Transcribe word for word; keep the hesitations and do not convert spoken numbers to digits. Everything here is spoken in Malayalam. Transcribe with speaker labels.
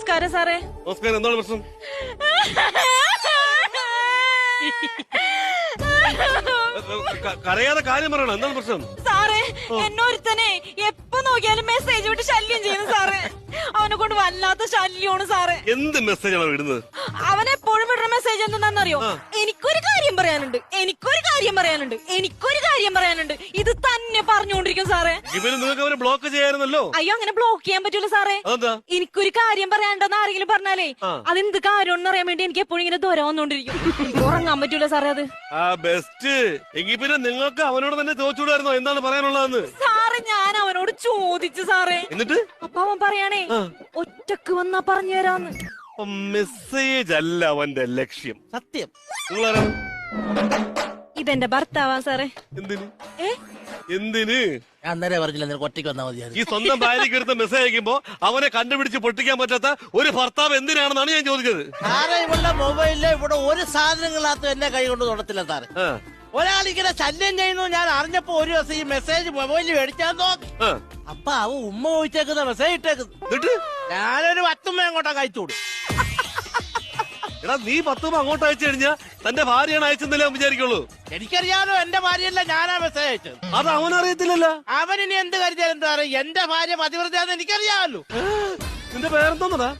Speaker 1: നമസ്കാരം സാറേ.
Speaker 2: നമസ്കാരം. എന്താണ് പ്രശ്നം? കരയാതെ കാര്യം പറയണം. എന്താണ് പ്രശ്നം?
Speaker 1: സാറേ, എന്നൊരുത്തനെ എപ്പോ നോക്കിയാലും മെസ്സേജ് വിട്ട് ശല്യം ചെയ്യുന്നു സാറേ. അവനെ കൊണ്ട് വല്ലാത്ത ശല്യമാണ് സാറേ.
Speaker 2: എന്ത് മെസ്സേജാണ് വിടുന്നത്?
Speaker 1: അവനെപ്പോഴും വിടുന്ന മെസ്സേജ് എന്താണെന്നറിയോ? എനിക്കൊരു കാര്യം പറയാനുണ്ട്, എനിക്കൊരു കാര്യം പറയാനുണ്ട്, എനിക്കൊരു കാര്യം പറയാനുണ്ട്. ഇത് തന്നെ പറഞ്ഞുകൊണ്ടിരിക്കും സാറേ.
Speaker 2: ഇവര് നിങ്ങൾക്ക് അവരെ ബ്ലോക്ക് ചെയ്യാറുന്നല്ലോ.
Speaker 1: അയ്യോ, അങ്ങനെ ബ്ലോക്ക് ചെയ്യാൻ പറ്റൂല സാറേ. എനിക്കൊരു കാര്യം പറയാണ്ടെന്ന് ആരെങ്കിലും പറഞ്ഞാലേ അതെന്ത് കാര്യം അറിയാൻ വേണ്ടി എനിക്ക് എപ്പോഴും ഇങ്ങനെ ദൂരം വന്നോണ്ടിരിക്കും. എനിക്ക് ഉറങ്ങാൻ പറ്റൂല സാറേ അത്.
Speaker 2: ആ ബെസ്റ്റ്. എങ്കിൽ പിന്നെ നിങ്ങൾക്ക് അവനോട് തന്നെ ചോദിച്ചുകൂടായിരുന്നോ എന്താണ് പറയാനുള്ളതെന്ന്?
Speaker 1: സാറേ, ഞാൻ അവനോട് ചോദിച്ചു സാറേ.
Speaker 2: എന്നിട്ട്
Speaker 1: അപ്പൊ അവൻ പറയാണേ ഒറ്റക്ക് വന്നാ പറഞ്ഞു തരാന്ന്.
Speaker 2: മെസ്സേജ് അല്ല അവന്റെ ലക്ഷ്യം.
Speaker 3: സത്യം.
Speaker 2: നിങ്ങളാരാണ്?
Speaker 1: ഇതെന്റെ ഭർത്താവാ സാറേ.
Speaker 2: എന്തിന്?
Speaker 1: ഏ
Speaker 2: എന്തിന്?
Speaker 3: ഞാൻ അന്നേരം പറഞ്ഞില്ല, നിനക്ക് ഒറ്റയ്ക്ക് വന്നാൽ മതിയായിരുന്നു.
Speaker 2: ഈ സ്വന്തം ഭാര്യയ്ക്ക് എടുത്ത മെസ്സേജ് അയക്കുമ്പോ അവനെ കണ്ടുപിടിച്ച് പൊട്ടിക്കാൻ പറ്റാത്ത ഒരു ഭർത്താവ് എന്തിനാണെന്നാണ് ഞാൻ ചോദിച്ചത്.
Speaker 3: സാറേ, ഇവളുടെ മൊബൈലില് ഇവിടെ ഒരു സാധനങ്ങളകത്ത് എന്നെ കൈ കൊണ്ട് തൊടത്തില്ല സാറേ. ഒരാളിങ്ങനെ ശല്യം ചെയ്യുന്നു ഞാൻ അറിഞ്ഞപ്പോ ഒരു ദിവസം ഈ മെസ്സേജ് മൊബൈലിൽ മേടിച്ചാൽ നോക്കി. അപ്പൊ അവ ഉമ്മ ചോദിച്ചേക്കുന്ന മെസ്സേജ് ഇട്ടേക്കുന്നു. ഞാനൊരു പത്തുമ്മ അങ്ങോട്ടാ കഴിച്ചോടും.
Speaker 2: എടാ, നീ പത്തുമ്പോ അങ്ങോട്ട് അയച്ചു കഴിഞ്ഞാ തന്റെ ഭാര്യയാണ് അയച്ചെന്നല്ലേ അവൻ വിചാരിക്കുള്ളൂ.
Speaker 3: എനിക്കറിയാലോ എന്റെ ഭാര്യയല്ല ഞാനാ മെസ്സേജ് അയച്ചത്.
Speaker 2: അത് അവനറിയത്തില്ലല്ലോ.
Speaker 3: അവനിനി എന്ത് കരുതിയാലും എന്താ പറയാ, എന്റെ ഭാര്യ പതിവ്രതയാന്ന് എനിക്കറിയാമല്ലോ.
Speaker 2: നിന്റെ പേരെന്തോന്നടാ?